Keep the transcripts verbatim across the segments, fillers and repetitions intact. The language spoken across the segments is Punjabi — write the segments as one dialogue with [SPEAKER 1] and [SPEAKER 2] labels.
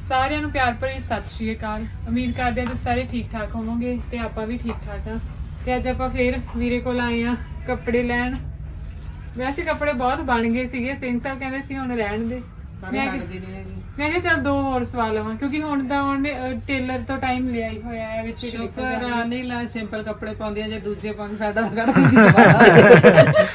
[SPEAKER 1] ਸਾਰਿਆਂ ਨੂੰ ਪਿਆਰ ਭਰੀ ਸਤਿ ਸ਼੍ਰੀ ਅਕਾਲ। ਉਮੀਦ ਕਰਦੇ ਹਾਂ ਤੁਸੀਂ ਸਾਰੇ ਠੀਕ ਠਾਕ ਹੋਵੋਗੇ ਤੇ ਆਪਾਂ ਵੀ ਠੀਕ ਠਾਕ ਆ। ਤੇ ਅੱਜ ਆਪਾਂ ਫੇਰ ਵੀਰੇ ਕੋਲ ਆਏ ਆ ਕੱਪੜੇ ਲੈਣ। ਵੈਸੇ ਕੱਪੜੇ ਬਹੁਤ ਬਣ ਗਏ ਸੀਗੇ, ਸਿੰਘ ਸਾਹਿਬ ਕਹਿੰਦੇ ਸੀ ਹੁਣ ਰਹਿਣ ਦੇ। ਮੈਂ ਕਿਹਾ ਚੱਲ ਦੋ ਹੋਰ ਸਵਾ ਲਵਾਂ ਕਿਉਂਕਿ ਹੁਣ ਤਾਂ ਉਹਨੇ ਟੇਲਰ ਤੋਂ ਟਾਈਮ ਲਿਆ ਹੀ ਹੋਇਆ ਹੈ ਵਿੱਚ।
[SPEAKER 2] ਸ਼ੁਕਰ ਆ ਨਹੀਂ ਲਾ ਸਿੰਪਲ ਕੱਪੜੇ ਪਾਉਂਦੀ ਆ, ਜੇ ਦੂਜੇ ਪੰਗ ਸਾਡਾ ਕੱਢਦੀ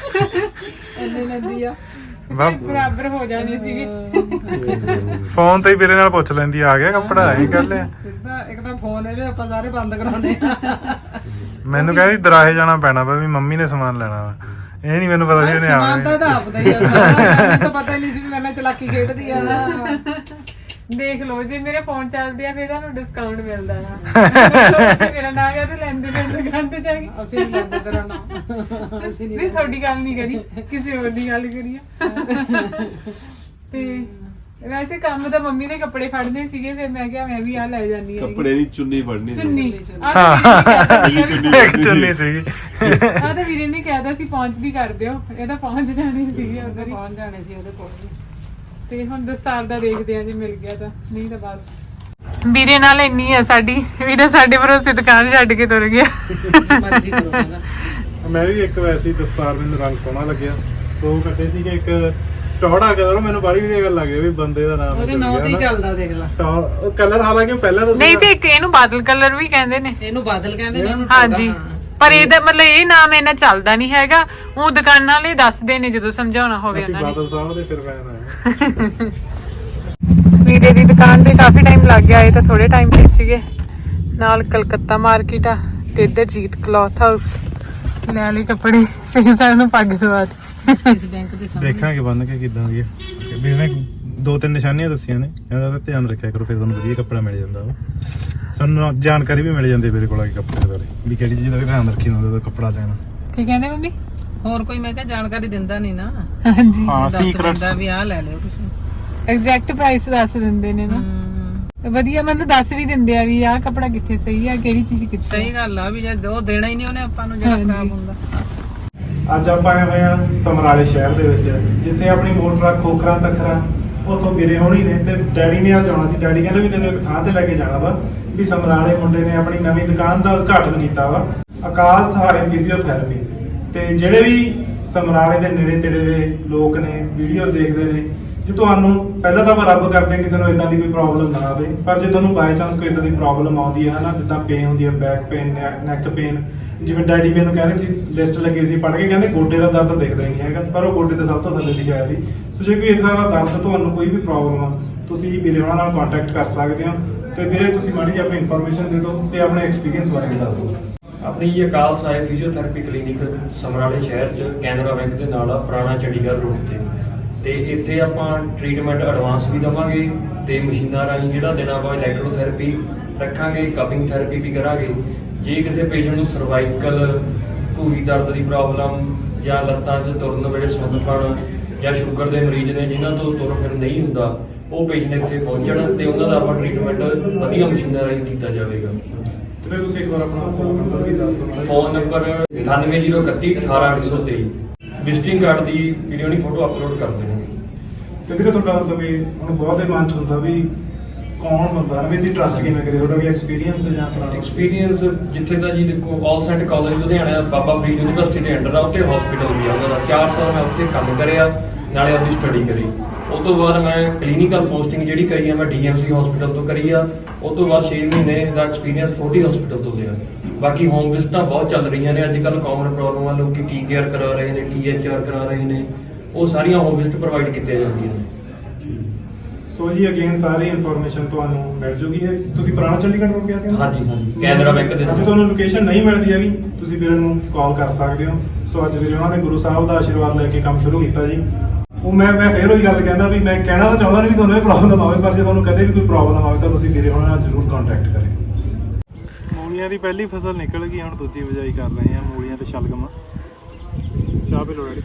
[SPEAKER 2] ਇੰਨੇ ਲੈਂਦੀ ਆ
[SPEAKER 1] ਬਰਾਬਰ ਹੋ ਜਾਣੀ ਸੀਗੀ।
[SPEAKER 3] ਫੋਨ ਤੇ ਹੀ ਵੀਰੇ ਨਾਲ ਪੁੱਛ ਲੈਂਦੀ ਆ ਗਿਆ ਕੱਪੜਾ ਐਂ ਕਰ ਲਿਆ
[SPEAKER 2] ਸਿੱਧਾ ਇੱਕ ਤਾਂ ਫੋਨ ਇਹਦੇ ਆਪਾਂ ਸਾਰੇ ਬੰਦ ਕਰਾਉਣੇ ਆ।
[SPEAKER 3] ਮੈਨੂੰ ਕਹਿੰਦੀ ਦਰਾਹੇ ਜਾਣਾ ਪੈਣਾ ਵਾ ਵੀ ਮੰਮੀ ਨੇ ਸਮਾਨ ਲੈਣਾ ਵਾ। ਇਹ ਨਹੀਂ ਮੈਨੂੰ ਪਤਾ ਸੀ ਉਹਨੇ ਆਉਣਾ।
[SPEAKER 2] ਸਮਾਨ ਤਾਂ ਇਹਦਾ ਆਪਦਾ ਹੀ ਆ ਸਾਰਾ, ਮੈਨੂੰ ਤਾਂ ਪਤਾ ਹੀ ਨਹੀਂ ਸੀ ਵੀ ਮੇਰੇ ਨਾਲ ਚਲਾਕੀ ਖੇਡਦੀ ਆ।
[SPEAKER 1] ਦੇਖ ਲਓ ਜੇ ਮੇਰੇ ਫੋਨ ਚੱਲਦੇ ਆ ਫਿਰ ਤੁਹਾਨੂੰ ਡਿਸਕਾਊਂਟ ਮਿਲਦਾ ਆ। ਮੇਰਾ ਨਾਮ ਆ ਤੇ ਲੈਂਦੇ ਫਿਰ ਦੁਕਾਨ ਤੇ ਜਾ ਕੇ।
[SPEAKER 2] ਅਸੀਂ ਨਹੀਂ ਲੈਂਦੇ ਤੇਰਾ ਨਾਮ, ਅਸੀਂ
[SPEAKER 1] ਨਹੀਂ ਤੁਹਾਡੀ ਗੱਲ ਨਹੀਂ ਕਰੀ, ਕਿਸੇ ਹੋਰ ਦੀ ਗੱਲ ਕਰੀ ਆ। ਤੇ ਵੈਸੇ ਕੰਮ ਤਾਂ ਮੰਮੀ ਨੇ ਕੱਪੜੇ ਫੜਨੇ ਸੀਗੇ, ਫਿਰ ਮੈਂ ਕਿਹਾ ਮੈਂ ਵੀ ਆ ਲੈ ਜਾਂਦੀ ਆ।
[SPEAKER 4] ਕੱਪੜੇ ਦੀ ਚੁੰਨੀ ਫੜਨੀ ਸੀ।
[SPEAKER 1] ਚੁੰਨੀ
[SPEAKER 3] ਇੱਕ ਚੁੰਨੀ ਸੀਗੀ।
[SPEAKER 1] ਆ ਤਾਂ ਵੀਰੇ ਨੇ ਕਹਿਤਾ ਸੀ ਪਹੁੰਚਦੀ ਕਰ ਦਿਓ, ਇਹ ਤਾਂ ਪਹੁੰਚ ਜਾਣੀ ਸੀਗੀ ਉਧਰ ਹੀ।
[SPEAKER 2] ਪਹੁੰਚ ਜਾਣੇ ਸੀ ਉਹਦੇ ਕੋਲ।
[SPEAKER 1] ਤੇ ਹੁਣ ਦਸਤਾਰ ਦਾ ਦੇਖਦੇ ਆ ਜੇ ਮਿਲ ਗਿਆ ਤਾਂ, ਨਹੀਂ ਤਾਂ ਬਸ। ਵੀਰੇ ਨਾਲ ਇੰਨੀ ਆ ਸਾਡੀ, ਵੀਰੇ ਸਾਡੇ ਭਰੋਸੇ ਦੁਕਾਨ ਛੱਡ ਕੇ ਤੁਰ ਗਿਆ।
[SPEAKER 2] ਮਰਜ਼ੀ ਕਰੋ ਇਹਦਾ।
[SPEAKER 3] ਮੈਂ ਵੀ ਇੱਕ ਵੈਸੀ ਦਸਤਾਰ, ਮੈਨੂੰ ਰੰਗ ਸੋਹਣਾ ਲੱਗਿਆ। ਦੋ ਕੱਟੇ ਸੀਗੇ, ਇੱਕ ਟੌੜਾ ਕਲਰ, ਮੈਨੂੰ ਬੜੀ ਵਧੀਆ ਗੱਲ ਲੱਗੀ ਵੀ ਬੰਦੇ ਦਾ ਨਾਮ
[SPEAKER 2] ਉਹਦੇ ਨਾਮ ਤੇ ਚੱਲਦਾ ਦੇਖ ਲੈ।
[SPEAKER 3] ਉਹ ਕਲਰ ਹਾਲਾਂਕਿ ਪਹਿਲਾਂ ਤਾਂ
[SPEAKER 1] ਨਹੀਂ ਤੇ ਇੱਕ ਇਹਨੂੰ ਬਾਦਲ ਕਲਰ ਵੀ ਕਹਿੰਦੇ ਨੇ।
[SPEAKER 2] ਇਹਨੂੰ ਬਾਦਲ ਕਹਿੰਦੇ ਨੇ ਉਹਨੂੰ।
[SPEAKER 1] ਹਾਂਜੀ ਪਰ ਇਹਦਾ ਮਤਲਬ ਇਹ ਨਾਮ ਇਹਨਾਂ ਚੱਲਦਾ ਨਹੀਂ ਹੈਗਾ, ਉਹ ਦੁਕਾਨਾਂ ਵਾਲੇ ਦੱਸਦੇ ਨੇ ਜਦੋਂ ਸਮਝਾਉਣਾ ਹੋਵੇ ਉਹਨਾਂ ਨੇ।
[SPEAKER 3] ਬਾਦਲ ਸਾਹਿਬ ਦੇ ਫਿਰ ਫੈਨ ਆਏ।
[SPEAKER 1] ਵੀਰੇ ਦੀ ਦੁਕਾਨ ਤੇ ਕਾਫੀ ਟਾਈਮ ਲੱਗ ਗਿਆ, ਇਹ ਤਾਂ ਥੋੜੇ ਟਾਈਮ ਤੇ ਸੀਗੇ। ਨਾਲ ਕਲਕੱਤਾ ਮਾਰਕੀਟ ਆ ਤੇ ਇੱਧਰ ਜੀਤ ਕਲੌਥ ਹਾਊਸ। ਲੈ ਲਈ ਕੱਪੜੇ, ਸਿੰਘ ਸਾਹਿਬ ਨੂੰ ਪੱਗ ਦਵਾ ਦਿੱਤੀ।
[SPEAKER 2] ਇਸ ਬੈਂਕ ਦੇ ਸਾਹਮਣੇ
[SPEAKER 3] ਦੇਖਾਂਗੇ ਬੰਨ ਕੇ ਕਿੱਦਾਂ ਦੀ ਹੈ। ਵੀ ਮੈਂ ਦੋ ਤਿੰਨ ਨਿਸ਼ਾਨੀਆਂ ਦੱਸੀਆਂ ਨੇ, ਇਹਦਾ ਤਾਂ ਧਿਆਨ ਰੱਖਿਆ ਕਰੋ, ਫਿਰ ਤੁਹਾਨੂੰ ਵਧੀਆ ਕੱਪੜਾ ਮਿਲ ਜਾਂਦਾ ਵਾ। ਸਾਨੂੰ ਜਾਣਕਾਰੀ ਵੀ ਮਿਲ ਜਾਂਦੀ ਮੇਰੇ ਕੋਲ ਆ ਕੇ ਕੱਪੜੇ ਬਾਰੇ, ਵੀ ਕਿਹੜੀ ਚੀਜ਼ ਦਾ ਵੀ ਧਿਆਨ ਰੱਖੀ ਹੁੰਦਾ ਜਦੋਂ ਕੱਪੜਾ ਲੈਣਾ।
[SPEAKER 1] ਕੀ ਕਹਿੰਦੇ ਮੰਮੀ?
[SPEAKER 2] ਹੋਰ ਕੋਈ ਮੈਂ ਕਿਹਾ ਜਾਣਕਾਰੀ ਦਿੰਦਾ ਨਹੀਂ ਨਾ।
[SPEAKER 1] ਹਾਂਜੀ
[SPEAKER 3] ਹਾਂ,
[SPEAKER 2] ਦੱਸ
[SPEAKER 3] ਸੀਕ੍ਰੇਟਸ
[SPEAKER 2] ਦਿੰਦਾ ਵੀ ਆਹ ਲੈ ਲਿਓ ਤੁਸੀਂ।
[SPEAKER 1] ਐਗਜ਼ੈਕਟ ਪ੍ਰਾਈਸ ਦੱਸ ਦਿੰਦੇ ਨੇ ਨਾ। ਵਧੀਆ, ਮੈਨੂੰ ਦੱਸ ਵੀ ਦਿੰਦੇ ਆ ਵੀ ਆਹ ਕੱਪੜਾ ਕਿੱਥੇ ਸਹੀ ਆ, ਕਿਹੜੀ ਚੀਜ਼ ਕਿੱਥੇ।
[SPEAKER 2] ਸਹੀ ਗੱਲ ਆ ਵੀ ਜੇ ਉਹ ਦੇਣਾ ਹੀ ਨਹੀਂ ਉਹਨੇ ਆਪਾਂ ਨੂੰ ਜਿਹੜਾ ਖਰਾਬ ਹੁੰਦਾ।
[SPEAKER 3] ਅੱਜ ਆਪਾਂ ਆਏ ਹੋਏ ਆ ਸਮਰਾਲੇ ਸ਼ਹਿਰ ਦੇ ਵਿੱਚ, ਜਿੱਥੇ ਆਪਣੀ ਮੋਟਰ ਖੋਖਰਾ ਤਖਰਾ ਉਥੋਂ ਵੀਰੇ ਹੋਣੀ ਨੇ ਤੇ ਡੈਡੀ ਨੇ ਆ ਜਾਣਾ ਸੀ। ਡੈਡੀ ਕਹਿੰਦੇ ਵੀ ਤੈਨੂੰ ਇੱਕ ਥਾਂ ਤੇ ਲੈ ਕੇ ਜਾਣਾ ਵਾ, ਵੀ ਸਮਰਾਲੇ ਮੁੰਡੇ ਨੇ ਆਪਣੀ ਨਵੀਂ ਦੁਕਾਨ ਦਾ ਉਦਘਾਟਨ ਕੀਤਾ ਵਾ, ਅਕਾਲ ਸਹਾਰੇ ਫਿਜ਼ੀਓਥੈਰੇਪੀ। ਤੇ ਜਿਹੜੇ ਵੀ ਸਮਰਾਲੇ ਦੇ ਨੇੜੇ ਤੇੜੇ ਦੇ ਲੋਕ ਨੇ ਵੀਡੀਓ ਦੇਖਦੇ ਨੇ, ਜੇ ਤੁਹਾਨੂੰ ਪਹਿਲਾਂ ਤਾਂ ਆਪਾਂ ਰੱਬ ਕਰਦੇ ਕਿਸੇ ਨੂੰ ਇਦਾਂ ਦੀ ਕੋਈ ਪ੍ਰੋਬਲਮ ਨਾ ਆਵੇ, ਪਰ ਜੇ ਤੁਹਾਨੂੰ ਬਾਈ ਚਾਂਸ ਕੋਈ ਇਦਾਂ ਦੀ ਪ੍ਰੋਬਲਮ ਆਉਂਦੀ ਹੈ ਨਾ, ਜਿੱਦਾਂ ਪੇਨ ਹੁੰਦੀ ਹੈ, ਬੈਕ ਪੇਨ, ਨੈਕ ਪੇਨ, ਜਿਵੇਂ ਡੈਡੀ ਮੈਨੂੰ ਕਹਿੰਦੇ ਸੀ ਲਿਸਟ ਲੱਗੀ ਸੀ ਪੜ੍ਹ ਕੇ, ਕਹਿੰਦੇ ਗੋਡੇ ਦਾ ਦਰਦ ਦਿਖਦਾ ਹੀ ਨਹੀਂ ਹੈਗਾ, ਪਰ ਉਹ ਗੋਡੇ ਤੇ ਸਭ ਤੋਂ ਥੱਲੇ ਲਿਖਿਆ ਸੀ। ਸੋ ਜੇ ਕੋਈ ਇਦਾਂ ਦਾ ਦਰਦ ਤੁਹਾਨੂੰ ਕੋਈ ਵੀ ਪ੍ਰੋਬਲਮ ਆ, ਤੁਸੀਂ ਵੀਰੇ ਉਹਨਾਂ ਨਾਲ ਕੰਟੈਕਟ ਕਰ ਸਕਦੇ ਹੋ। ਤੇ ਵੀਰੇ ਤੁਸੀਂ ਮਾੜੀ ਜਿਹੀ ਆਪਣੀ ਇਨਫੋਰਮੇਸ਼ਨ ਦੇ ਦਿਓ ਤੇ ਆਪਣੇ ਐਕਸਪੀਰੀਅੰਸ ਬਾਰੇ ਵੀ ਦੱਸ ਦਿਓ।
[SPEAKER 5] ਆਪਣੀ ਇਹ ਅਕਾਲ ਸਹਾਇ ਫਿਜ਼ੀਓਥੈਰੇਪੀ ਕਲੀਨਿਕ ਸਮਰਾਲੇ ਸ਼ਹਿਰ 'ਚ ਕੈਨਰਾ ਬੈਂਕ ਦੇ ਨਾਲ ਆ, ਪੁਰਾਣਾ ਚੰਡੀਗੜ੍ਹ ਰੋਡ ਤੇ। ਤੇ ਇੱਥੇ ਆਪਾਂ ਟ੍ਰੀਟਮੈਂਟ ਐਡਵਾਂਸ ਵੀ ਦੇਵਾਂਗੇ ਤੇ ਮਸ਼ੀਨਾਂ ਰਾਹੀਂ ਜਿਹੜਾ ਦੇਣਾ ਵਾ ਇਲੈਕਟ੍ਰੋਥੈਰੇਪੀ ਰੱਖਾਂਗੇ, ਕਪਿੰਗ ਥੈਰੇਪੀ ਵੀ ਕਰਾਂਗੇ। ਜੇ ਕਿਸੇ ਪੇਸ਼ੈਂਟ ਨੂੰ ਸਰਵਾਈਕਲ, ਘੂਰੀ ਦਰਦ ਦੀ ਪ੍ਰੋਬਲਮ ਜਾਂ ਲੱਤਾਂ 'ਚ ਤੁਰਨ ਵੇਲੇ ਸੁੰਨਪਣ ਜਾਂ ਸ਼ੂਗਰ ਦੇ ਮਰੀਜ਼ ਨੇ ਜਿਨ੍ਹਾਂ ਤੋਂ ਤੁਰ ਫਿਰ ਨਹੀਂ ਹੁੰਦਾ, ਉਹ ਪੇਸ਼ੈਂਟ ਇੱਥੇ ਪਹੁੰਚਣ ਤੇ ਉਹਨਾਂ ਦਾ ਆਪਾਂ ਟ੍ਰੀਟਮੈਂਟ ਵਧੀਆ ਮਸ਼ੀਨਾਂ ਰਾਹੀਂ ਕੀਤਾ ਜਾਵੇਗਾ।
[SPEAKER 3] ਤੇ ਤੁਸੀਂ ਇੱਕ ਵਾਰ ਆਪਣਾ ਫੋਨ ਨੰਬਰ ਵੀ ਦੱਸ ਦਿਓ।
[SPEAKER 5] ਫੋਨ ਨੰਬਰ ਅਠਾਨਵੇਂ ਜ਼ੀਰੋ ਇਕੱਤੀ ਅਠਾਰਾਂ ਅੱਠ ਸੌ ਤੇਈ। ਵਿਜ਼ਿਟਿੰਗ ਕਾਰਡ ਦੀ ਵੀਡੀਓ ਨਹੀਂ ਫੋਟੋ ਅਪਲੋਡ ਕਰ ਦੇਣਗੇ।
[SPEAKER 3] ਤੇ ਵੀਰੇ ਤੁਹਾਡਾ ਮਤਲਬ ਵੀ ਹੁਣ ਬਹੁਤ ਦੇ ਮਨ ਚ ਹੁੰਦਾ ਵੀ ਕੌਣ ਬੰਦਾ ਵੀ ਅਸੀਂ ਟਰਸਟ ਕਿਵੇਂ ਕਰੀਏ, ਤੁਹਾਡਾ ਵੀ ਐਕਸਪੀਰੀਅੰਸ ਹੈ ਜਾਂ ਆਪਣਾ
[SPEAKER 5] ਐਕਸਪੀਰੀਅੰਸ ਜਿੱਥੇ ਦਾ ਜੀ ਦੇਖੋ all saint college Ludhiana Baba Farid university ਦੇ ਅੰਡਰ ਆ, ਉੱਥੇ ਹਸਪੀਟਲ ਵੀ ਆ ਉਹਨਾਂ ਦਾ। ਚਾਰ ਸਾਲ ਮੈਂ ਉੱਥੇ ਕੰਮ ਕਰਿਆ, ਨਾਲੇ ਆਪਣੀ ਸਟੱਡੀ ਕਰੀ। ਉਸ ਤੋਂ ਬਾਅਦ ਮੈਂ ਕਲੀਨਿਕਲ ਪੋਸਟਿੰਗ ਜਿਹੜੀ ਕਰੀ ਆ ਮੈਂ ਡੀ ਐਮ ਸੀ ਹਸਪੀਟਲ ਤੋਂ ਕਰੀ ਆ। ਉਸ ਤੋਂ ਬਾਅਦ ਛੇ ਮਹੀਨੇ ਦਾ ਐਕਸਪੀਰੀਅੰਸ ਫੋਰਟੀ ਹਸਪੀਟਲ ਤੋਂ ਲਿਆ। ਬਾਕੀ ਹੋਮ ਵਿਜ਼ਿਟਾਂ ਬਹੁਤ ਚੱਲ ਰਹੀਆਂ ਨੇ ਅੱਜ ਕੱਲ੍ਹ, ਕਾਮਨ ਪ੍ਰੋਬਲਮ ਆ, ਲੋਕੀ ਟੀ ਕੇਅਰ ਕਰਾ ਰਹੇ ਨੇ, ਟੀ ਐਚ ਆਰ ਕਰਾ ਰਹੇ ਨੇ, ਉਹ ਸਾਰੀਆਂ ਹੋਮ ਵਿਜ਼ਿਟ ਪ੍ਰੋਵਾਈਡ ਕੀਤੀਆਂ ਜਾਂਦੀਆਂ ਨੇ।
[SPEAKER 3] ਸੋ ਜੀ ਅਗੇਨ ਸਾਰੀ ਇਨਫੋਰਮੇਸ਼ਨ ਤੁਹਾਨੂੰ ਮਿਲ ਜੂਗੀ। ਹੈ ਤੁਸੀਂ ਪੁਰਾਣਾ ਚੰਡੀਗੜ੍ਹ ਰੋਡ ਗਿਆ ਸੀ?
[SPEAKER 5] ਹਾਂਜੀ ਹਾਂਜੀ, ਕੈਨਰਾ ਬੈਂਕ ਦੇ ਨਾਲ।
[SPEAKER 3] ਜੇ ਤੁਹਾਨੂੰ ਲੋਕੇਸ਼ਨ ਨਹੀਂ ਮਿਲਦੀ ਹੈਗੀ ਤੁਸੀਂ ਵੀਰੇ ਨੂੰ ਕਾਲ ਕਰ ਸਕਦੇ ਹੋ। ਸੋ ਅੱਜ ਵੀਰੇ ਉਹਨਾਂ ਨੇ ਗੁਰੂ ਸਾਹਿਬ ਦਾ ਆਸ਼ੀਰਵਾਦ ਲੈ ਕੇ ਕੰਮ ਸ਼ੁਰੂ ਕੀਤਾ ਜੀ। ਉਹ ਮੈਂ ਮੈਂ ਫੇਰ ਉਹੀ ਗੱਲ ਕਹਿੰਦਾ ਵੀ ਮੈਂ ਕਹਿਣਾ ਤਾਂ ਚਾਹੁੰਦਾ ਨਹੀਂ ਵੀ ਤੁਹਾਨੂੰ ਇਹ ਪ੍ਰੋਬਲਮ ਆਵੇ, ਪਰ ਜੇ ਤੁਹਾਨੂੰ ਕਦੇ ਵੀ ਕੋਈ ਪ੍ਰੋਬਲਮ ਆਵੇ ਤਾਂ ਤੁਸੀਂ ਵੀਰੇ ਉਹਨਾਂ ਨਾਲ ਜ਼ਰੂਰ ਕੰਟੈਕਟ ਕਰਿਓ। ਮੂਲੀਆਂ ਦੀ ਪਹਿਲੀ ਫਸਲ ਨਿਕਲ ਗਈ, ਹੁਣ ਦੂਜੀ ਬਿਜਾਈ ਕਰ ਰਹੇ ਹਾਂ ਮੂਲੀਆਂ ਤੇ ਸ਼ਲਗਮ। ਚਾਹ ਪੀ ਲਓ ਡੈਡੀ।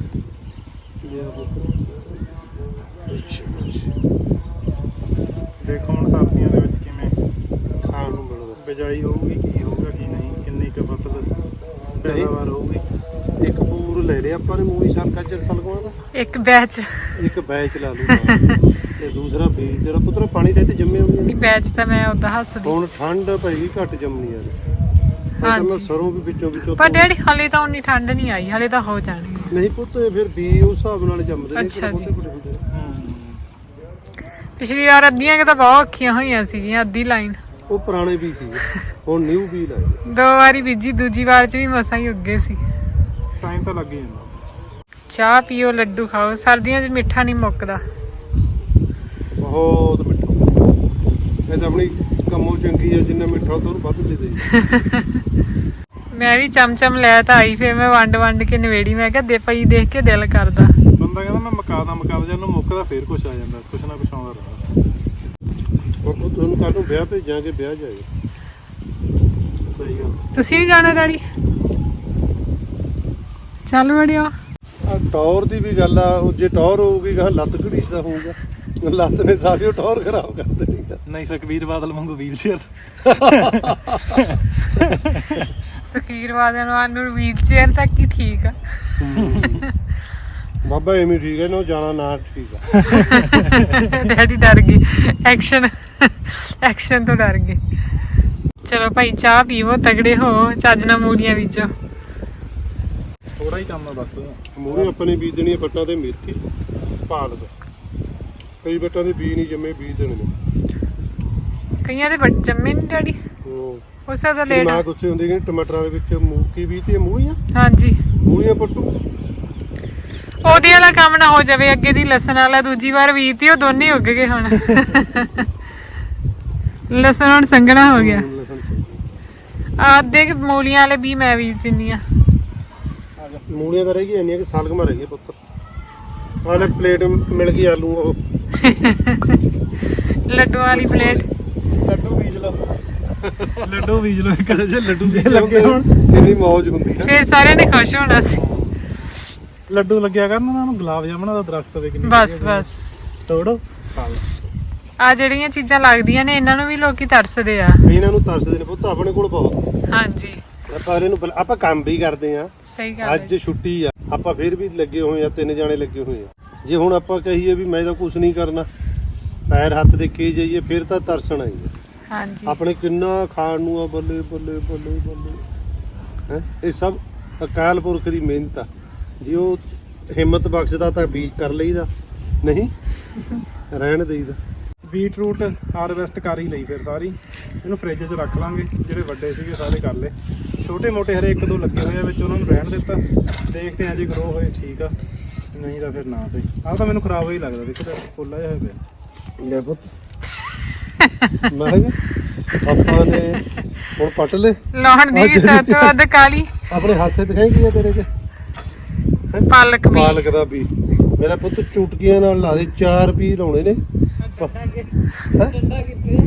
[SPEAKER 3] ਦੇਖੋ ਹੁਣ ਸਰਦੀਆਂ ਦੇ ਵਿੱਚ ਕਿਵੇਂ ਖਾਣ ਨੂੰ ਮਿਲਦਾ, ਬਿਜਾਈ ਹੋਊਗੀ, ਕੀ ਹੋਊਗਾ ਕੀ ਨਹੀਂ, ਕਿੰਨੀ ਕੁ ਫਸਲ ਪੈਦਾਵਾਰ ਹੋਊਗੀ।
[SPEAKER 4] ਇੱਕ ਪੂਰ ਲੈ ਲਿਆ ਆਪਾਂ ਨੇ ਮੂਲੀ ਸ਼ਲਗਮ ਚ ਸਲਗਮਾਂ ਦਾ,
[SPEAKER 1] ਇੱਕ ਬੈਚ
[SPEAKER 4] ਇੱਕ ਬੈਚ ਲਾ ਲੂਗਾ ਤੇ ਦੂਸਰਾ ਬੀਜ ਜਿਹੜਾ ਪੁੱਤਰ ਪਾਣੀ ਦੇ ਤੇ ਜੰਮੇ ਹੋਣਗੇ
[SPEAKER 1] ਨਹੀਂ ਬੈਚ ਤਾਂ ਮੈਂ ਉਦਾਂ ਹੱਸਦੀ
[SPEAKER 4] ਹੁਣ ਠੰਡ ਪਏਗੀ ਘੱਟ ਜੰਮਣੀ ਯਾਰ ਹਾਂ ਮੈਂ
[SPEAKER 1] ਹਾਂਜੀ
[SPEAKER 4] ਸਰੋਂ ਵੀ ਵਿੱਚੋਂ ਵਿੱਚੋਂ
[SPEAKER 1] ਪਰ ਡੈਡੀ ਹਲੇ ਤਾਂ ਉਨੀ ਠੰਡ ਨਹੀਂ ਆਈ ਹਲੇ ਤਾਂ ਹੋ ਜਾਣੀ ਹੈ।
[SPEAKER 4] ਨਹੀਂ ਪੁੱਤ ਇਹ ਫਿਰ ਬੀਜ ਉਸ ਹਿਸਾਬ ਨਾਲ ਜੰਮਦੇ ਨੇ
[SPEAKER 1] ਅੱਛਾ
[SPEAKER 4] ਕਿਹੜੇ
[SPEAKER 1] ਜੀ।
[SPEAKER 4] ਬੋਟੇ ਹੁੰਦੇ ਨੇ।
[SPEAKER 1] ਪਿਛਲੀ ਵਾਰ ਅੱਧੀਆਂ ਕਿ ਤਾਂ ਬਹੁਤ ਔਖੀਆਂ ਹੋਈਆਂ ਸੀਗੀਆਂ ਅੱਧੀ ਲਾਈਨ
[SPEAKER 4] ਉਹ ਪੁਰਾਣੇ ਬੀਜ ਸੀ ਹੁਣ ਨਿਊ ਬੀਜ ਲਾਏ
[SPEAKER 1] ਦੋ ਵਾਰੀ ਬੀਜੀ ਦੂਜੀ ਵਾਰ ਚ ਵੀ ਮਸਾਂ ਹੀ ਉੱਗੇ ਸੀ।
[SPEAKER 3] ਟਾਈਮ ਤਾਂ ਲੱਗ ਹੀ ਜਾਂਦਾ।
[SPEAKER 1] ਚਾਹ ਪੀਓ ਲੱਡੂ ਖਾਓ ਸਰਦੀਆਂ 'ਚ ਮਿੱਠਾ ਨਹੀਂ ਮੁੱਕਦਾ।
[SPEAKER 4] ਬਹੁਤ ਮਿੱਠਾ ਇਹ ਤਾਂ ਆਪਣੀ ਕੰਮੋਂ ਚੰਗੀ ਆ ਜਿੰਨਾ ਮਿੱਠਾ ਉਹ ਤੋਂ ਵੱਧ ਦੇ ਦੇ
[SPEAKER 1] ਮੈਂ ਵੀ ਚਮਚਮ ਲੈ ਤਾਂ ਆਈ ਫਿਰ ਮੈਂ ਵੰਡ ਵੰਡ ਕੇ ਨਵੇੜੀ ਮੈਂ ਕਿਹਾ ਦੇ ਪਈ ਦੇਖ ਕੇ ਦਿਲ ਕਰਦਾ।
[SPEAKER 3] ਬੰਦਾ ਕਹਿੰਦਾ ਮੈਂ ਮਕਾਦਾ ਮਕਾਦਾ ਜਾਂ ਨੂੰ ਮੁੱਕਦਾ ਫੇਰ ਕੁਛ ਆ ਜਾਂਦਾ ਕੁਛ ਨਾ ਕੁਛ ਆਉਂਦਾ ਰਹਿੰਦਾ।
[SPEAKER 4] ਹੁਣ ਉਹ ਤੁਹਾਨੂੰ ਕੱਲ ਨੂੰ ਵਿਆਹ ਭੇਜਾਂਗੇ ਵਿਆਹ ਜਾਏ
[SPEAKER 3] ਸਹੀ ਗੱਲ।
[SPEAKER 1] ਤੁਸੀਂ ਵੀ ਜਾਣਾ ਡੈਡੀ ਚੱਲ ਵੜਿਓ।
[SPEAKER 4] ਆ ਟੌਰ ਦੀ ਵੀ ਗੱਲ ਆ ਉਹ ਜੇ ਟੌਰ ਹੋਊਗੀ ਗਾ ਲੱਤ ਘੜੀਸਦਾ ਹੋਊਗਾ ਲੱਤ ਨੇ ਸਾਰੀ ਉਹ ਟੌਰ ਖਰਾਬ ਕਰ ਦੇਣੀ ਆ।
[SPEAKER 3] ਨਹੀਂ ਸੁਖਬੀਰ ਬਾਦਲ ਵਾਂਗੂ ਵੀਲ ਚੇਅਰ
[SPEAKER 1] ਸੁਖੀਰ ਵਾਦਨ ਨੂੰ ਵੀਲ ਚੇਅਰ ਤੱਕ ਹੀ ਠੀਕ ਆ।
[SPEAKER 4] ਬਾਬਾ ਐਵੇਂ ਠੀਕ ਹੈ ਨਾ ਜਾਣਾ ਨਾ ਠੀਕ ਆ
[SPEAKER 1] ਡੈਡੀ ਡਰ ਗਈ ਐਕਸ਼ਨ ਐਕਸ਼ਨ ਤੋਂ ਡਰ ਗਏ। ਚਲੋ ਭਾਈ ਚਾਹ ਪੀਵੋ ਤਗੜੇ ਹੋ ਚੱਜ ਨਾਲ ਮੂਲੀਆਂ ਬੀਜੋ।
[SPEAKER 3] ਥੋੜਾ ਹੀ ਕੰਮ ਆ ਬਸ।
[SPEAKER 4] ਮੂਹਰੇ ਆਪਾਂ ਨੇ ਬੀਜ ਦੇਣੀ ਆ ਬੱਟਾਂ ਤੇ ਮੇਥੀ ਪਾਲਕ ਕਈ ਬੱਟਾਂ ਦੇ ਬੀਜ ਨਹੀਂ ਜੰਮੇ ਬੀਜ ਦੇਣੇ ਨੇ
[SPEAKER 1] ਕਈਆਂ ਦੇ ਬੱਚ ਜੰਮੇ ਨੀ ਡੈਡੀ
[SPEAKER 4] ਉਹ
[SPEAKER 1] ਉਸੇ ਦਾ ਲੇਟ
[SPEAKER 4] ਨਾ ਗੁੱਸੇ ਹੁੰਦੀ ਕਿ ਟਮਾਟਰਾਂ ਦੇ ਵਿੱਚ ਮੂਕੀ ਵੀ ਤੇ ਮੂਲੀਆਂ
[SPEAKER 1] ਹਾਂਜੀ
[SPEAKER 4] ਮੂਲੀਆਂ ਪੱਟੂ
[SPEAKER 1] ਉਹਦੇ ਵਾਲਾ ਕੰਮ ਨਾ ਹੋ ਜਾਵੇ ਅੱਗੇ ਦੀ ਲਸਣ ਵਾਲਾ ਦੂਜੀ ਵਾਰ ਬੀਜਤੀ ਉਹ ਦੋਨੇ ਉੱਗ ਗਏ ਹੁਣ ਲਸਣ ਹੁਣ ਸੰਘਣਾ ਹੋ ਗਿਆ। ਆਦੇ ਕਿ ਮੂਲੀਆਂ ਵਾਲੇ ਵੀ ਮੈਂ ਬੀਜ ਦਿੰਨੀ ਆ।
[SPEAKER 4] ਮੂਲੀਆਂ ਤਾਂ ਰਹਿ ਗਈਆਂ ਇੰਨੀਆਂ ਕਿ ਸਲਗਮਾਂ ਰਹਿ ਗਈਆਂ ਪੁੱਤਰ ਆਲੇ ਪਲੇਟ ਮਿਲ ਗਈ ਆਲੂ ਉਹ
[SPEAKER 1] ਲੱਡੂ ਵਾਲੀ ਪਲੇਟ
[SPEAKER 3] ਲੱਡੂ ਬੀਜ ਲਓ ਲੱਡੂ ਬੀਜ ਲਓ
[SPEAKER 4] ਕਦੇ ਜੇ ਲੱਡੂ ਜੇ ਲੱਗੇ ਹੁਣ ਕਿੰਨੀ ਮੌਜ ਹੁੰਦੀ ਹੈ
[SPEAKER 1] ਫਿਰ ਸਾਰਿਆਂ ਨੇ ਖੁਸ਼ ਹੋਣਾ ਸੀ।
[SPEAKER 3] ਲੱਡੂ ਲੱਗਿਆ ਕਰਨ ਉਹਨਾਂ ਨੂੰ ਗੁਲਾਬ ਜਾਮਣਾ ਦਾ ਦਰਖਤ ਦੇ ਕਿੰਨੀ
[SPEAKER 1] ਬਸ ਬਸ
[SPEAKER 3] ਤੋੜੋ ਖਾ ਲਓ।
[SPEAKER 1] ਆ ਜਿਹੜੀਆਂ ਚੀਜ਼ਾਂ ਲੱਗਦੀਆਂ ਨੇ ਇਹਨਾਂ ਨੂੰ ਵੀ ਲੋਕੀ ਤਰਸਦੇ ਆ।
[SPEAKER 4] ਇਹਨਾਂ ਨੂੰ ਤਰਸਦੇ ਨੇ ਪੁੱਤ ਆਪਣੇ ਕੋਲ ਬਹੁਤ
[SPEAKER 1] ਹਾਂਜੀ
[SPEAKER 4] ਆਪਾਂ ਇਹਨੂੰ ਬੁਲਾ- ਆਪਾਂ ਕੰਮ ਵੀ ਕਰਦੇ ਆ
[SPEAKER 1] ਸਹੀ ਗੱਲ ਹੈ।
[SPEAKER 4] ਅੱਜ ਛੁੱਟੀ ਆ ਆਪਾਂ ਫਿਰ ਵੀ ਲੱਗੇ ਹੋਏ ਆ ਤਿੰਨ ਜਾਣੇ ਲੱਗੇ ਹੋਏ ਆ ਜੇ ਹੁਣ ਆਪਾਂ ਕਹੀਏ ਵੀ ਮੈਂ ਤਾਂ ਕੁਝ ਨਹੀਂ ਕਰਨਾ ਪੈਰ ਹੱਥ ਦੇ ਕੇ ਜਾਈਏ ਫਿਰ ਤਾਂ ਤਰਸਣ ਆਈ
[SPEAKER 1] ਹਾਂਜੀ
[SPEAKER 4] ਆਪਣੇ ਕਿੰਨਾ ਖਾਣ ਨੂੰ ਆ ਬੱਲੇ ਬੱਲੇ ਬੱਲੇ ਬੱਲੇ ਹੈ ਇਹ ਸਭ ਅਕਾਲ ਪੁਰਖ ਦੀ ਮਿਹਨਤ ਆ ਜੇ ਉਹ ਹਿੰਮਤ ਬਖਸ਼ਦਾ ਤਾਂ ਬੀਜ ਕਰ ਲਈਦਾ ਨਹੀਂ ਰਹਿਣ ਦੇਈਦਾ।
[SPEAKER 3] ਬੀਟਰੂਟ ਹਾਰਵੈਸਟ ਕਰ ਹੀ ਲਈ ਫਿਰ ਸਾਰੀ ਇਹਨੂੰ ਫ੍ਰਿਜ 'ਚ ਰੱਖ ਲਾਂਗੇ ਜਿਹੜੇ ਵੱਡੇ ਸੀਗੇ ਸਾਰੇ ਕਰ ਲਏ ਛੋਟੇ ਮੋਟੇ ਹਰੇ ਇੱਕ ਦੋ ਲੱਗੇ ਹੋਏ ਆ ਵਿੱਚ ਉਹਨਾਂ ਨੂੰ ਰਹਿਣ ਦਿੱਤਾ ਦੇਖਦੇ ਆ ਜੇ ਗਰੋ ਹੋਏ ਠੀਕ ਆ ਨਹੀਂ ਤਾਂ ਫਿਰ ਨਾ ਸਹੀ ਆਹ ਤਾਂ ਮੈਨੂੰ ਖਰਾਬ ਹੋਈ ਲੱਗਦਾ ਦੇਖੋ ਤਾਂ ਫੁੱਲਾ ਜਿਹਾ ਹੋਇਆ ਪਿਆ।
[SPEAKER 4] ਲੈ ਪੁੱਤ ਮੈਂ ਕਿਹਾ ਆਪਾਂ ਨੇ ਹੁਣ ਪੱਟ ਲੈ
[SPEAKER 1] ਲਾਉਣ ਦੀ ਵੀ ਸਭ ਤੋਂ ਵੱਧ ਕਾਲੀ
[SPEAKER 4] ਆਪਣੇ ਹੱਥੇ ਦਿਖਾਈ ਕੀ ਆ ਤੇਰੇ 'ਚ
[SPEAKER 1] ਪਾਲਕ ਵੀ
[SPEAKER 4] ਪਾਲਕ ਦਾ ਵੀ ਮੇਰਾ ਪੁੱਤ ਚੁਟਕੀਆਂ ਨਾਲ ਲਾ ਦੇ ਚਾਰ ਪੀ ਲਾਉਣੇ ਨੇ
[SPEAKER 2] ਡੰਡਾ ਕਿੱਥੇ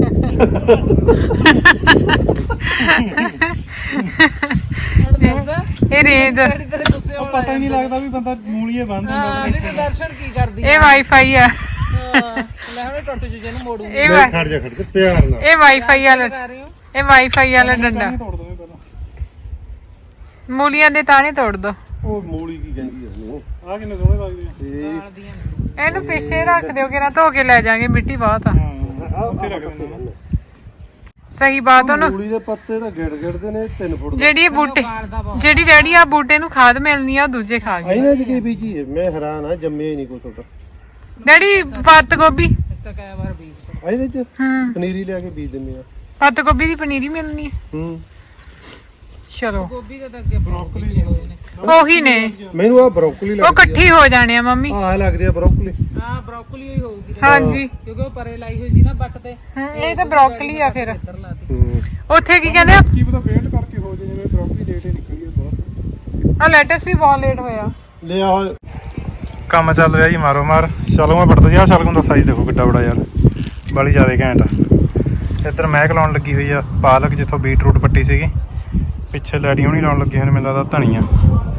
[SPEAKER 1] ਇਹ ਰੇਂਜ
[SPEAKER 2] ਤੇਰੇ ਗੁੱਸੇ
[SPEAKER 3] ਉਹ ਪਤਾ ਹੀ ਨਹੀਂ ਲੱਗਦਾ ਵੀ ਬੰਦਾ ਮੂਲੀਏ ਬੰਦ
[SPEAKER 2] ਹਾਂ
[SPEAKER 3] ਹੁੰਦਾ
[SPEAKER 2] ਵੀ ਤੇ ਦਰਸ਼ਨ ਕੀ ਕਰਦੀ
[SPEAKER 1] ਇਹ ਵਾਈਫਾਈ ਆ।
[SPEAKER 2] ਹਾਂ ਲੈ ਹੁਣ ਟੁੱਟ ਜੂ ਜਿਹਨੂੰ ਮੋੜੂਗੀ
[SPEAKER 1] ਇਹ
[SPEAKER 4] ਨਹੀਂ,
[SPEAKER 1] ਵਾ-
[SPEAKER 4] ਖੜ ਜਾ ਖੜ ਜਾ ਪਿਆਰ ਨਾਲ
[SPEAKER 1] ਇਹ ਵਾਈਫਾਈ ਵਾਲਾ
[SPEAKER 2] ਕਰ ਰਹੇ ਹੋ
[SPEAKER 1] ਇਹ ਵਾਈਫਾਈ ਵਾਲਾ ਡੰਡਾ
[SPEAKER 3] ਤੋੜ ਦੋਵੇਂ ਪਹਿਲਾਂ
[SPEAKER 1] ਮੂਲੀਆਂ ਦੇ ਤਾਣੇ ਤੋੜ ਦੋ।
[SPEAKER 4] ਉਹ ਮੂਲੀ ਕੀ ਕਹਿੰਦੀ ਆ ਉਹਨੂੰ
[SPEAKER 3] ਆਹ ਕਿੰਨੇ ਸੋਹਣੇ ਲੱਗਦੇ ਆ
[SPEAKER 4] ਇਹ
[SPEAKER 2] ਨਾਲ ਦੀਆਂ
[SPEAKER 1] ਇਹਨੂੰ ਪਿੱਛੇ ਰੱਖ ਦਿਓ ਕਿ ਨਾ ਧੋ ਕੇ ਲੈ ਜਾਾਂਗੇ ਮਿੱਟੀ ਬਹੁਤ ਆ।
[SPEAKER 3] ਹਾਂ ਉੱਥੇ ਰੱਖ ਦਿੰਦੇ ਨੇ
[SPEAKER 1] ਸਹੀ ਬਾਤ ਉਹਨੂੰ
[SPEAKER 4] ਮੂਲੀ ਦੇ ਪੱਤੇ ਤਾਂ ਗਿੜ ਗਿੜਦੇ ਨੇ ਤਿੰਨ ਫੁੱਟ ਦੇ
[SPEAKER 1] ਜਿਹੜੀ ਇਹ ਬੂਟੇ ਜਿਹੜੀ ਡੈਡੀ ਆ ਬੂਟੇ ਨੂੰ ਖਾਦ ਮਿਲਣੀ ਆ ਉਹ ਦੂਜੇ ਖਾ ਗਏ।
[SPEAKER 4] ਇਹਨਾਂ ਚ ਕੀ ਬੀਜੀ ਹੈ ਮੈਂ ਹੈਰਾਨ ਆ ਜੰਮਿਆ ਹੀ ਨਹੀਂ ਕੋਈ ਤੁਹਾਡਾ
[SPEAKER 1] ਡੈਡੀ ਪੱਤ ਗੋਭੀ
[SPEAKER 2] ਇਸ ਤਾਂ ਕਈ ਵਾਰ ਬੀਜ
[SPEAKER 4] ਆ ਇਹਦੇ ਚ
[SPEAKER 1] ਹੂੰ
[SPEAKER 4] ਪਨੀਰੀ ਲਿਆ ਕੇ ਬੀਜ ਦਿੰਦੇ ਆ
[SPEAKER 1] ਪੱਤ ਗੋਭੀ ਦੀ ਪਨੀਰੀ ਮਿਲਣੀ ਹੈ।
[SPEAKER 4] ਹੂੰ
[SPEAKER 1] ਚਲੋ
[SPEAKER 2] ਗੋਭੀ ਦੇ ਤਾਂ ਅੱਗੇ ਬਰੋਕਲੀ ਹੋਏ ਨੇ
[SPEAKER 1] ਉਹੀ ਨੇ
[SPEAKER 4] ਮੈਨੂੰ ਆ ਬਰੋਕਲੀ
[SPEAKER 1] ਉਹ
[SPEAKER 4] ਲੱਗਦੀ
[SPEAKER 1] ਇਕੱਠੀ ਹੋ ਜਾਣੇ ਆ ਮੰਮੀ।
[SPEAKER 4] ਆ ਆਹ ਲੱਗਦੀ ਆ ਬਰੋਕਲੀ
[SPEAKER 2] ਹਾਂ ਬਰੋਕਲੀ ਹੋਈ ਹੋਊਗੀ
[SPEAKER 1] ਹਾਂਜੀ
[SPEAKER 2] ਕਿਉਂਕਿ ਉਹ ਪਰੇ ਲਾਈ ਹੋਈ ਸੀ ਨਾ ਬੱਟ ਤੇ
[SPEAKER 1] ਹੂੰ, ਇਹ ਤਾਂ ਬਰੋਕਲੀ ਆ ਫਿਰ।
[SPEAKER 2] ਇੱਧਰ ਲਾਤੀ
[SPEAKER 4] ਹੂੰ
[SPEAKER 1] ਉੱਥੇ ਕੀ ਕਹਿੰਦੇ ਆ
[SPEAKER 3] ਕੀ ਪਤਾ ਵੇਟ ਕਰਕੇ ਹੋ ਜੇ ਜਿਵੇਂ ਬਰੋਕਲੀ ਲੇਟ ਹੀ ਨਿਕਲੀ ਹੈ ਬਹੁਤ
[SPEAKER 1] ਆਹ ਲੈਟਸ ਵੀ ਬਹੁਤ ਲੇਟ ਹੋਇਆ।
[SPEAKER 4] ਲਿਆ ਹੋਇਆ
[SPEAKER 3] ਕੰਮ ਚੱਲ ਰਿਹਾ ਜੀ ਮਾਰੋ ਮਾਰ ਚਲੋ ਮੈਂ ਪੜਦਾ ਜੀ ਆਹ ਸ਼ਲਗਮ ਦਾ ਸਾਈਜ਼ ਦੇਖੋ ਕਿੱਡਾ ਬੜਾ ਯਾਰ ਬੜੀ ਜ਼ਿਆਦਾ ਘੈਂਟ ਆ। ਇੱਧਰ ਮਹਿਕ ਲਾਉਣ ਲੱਗੀ ਹੋਈ ਆ ਪਾਲਕ ਜਿੱਥੋਂ ਬੀਟਰੂਟ ਪੱਟੀ ਸੀਗੀ ਪਿੱਛੇ ਲੈਡੀ ਹੋਣੀ ਲਾਉਣ ਲੱਗੇ ਹੋਏ ਨੇ ਮੈਨੂੰ ਲੱਗਦਾ ਧਨੀਆ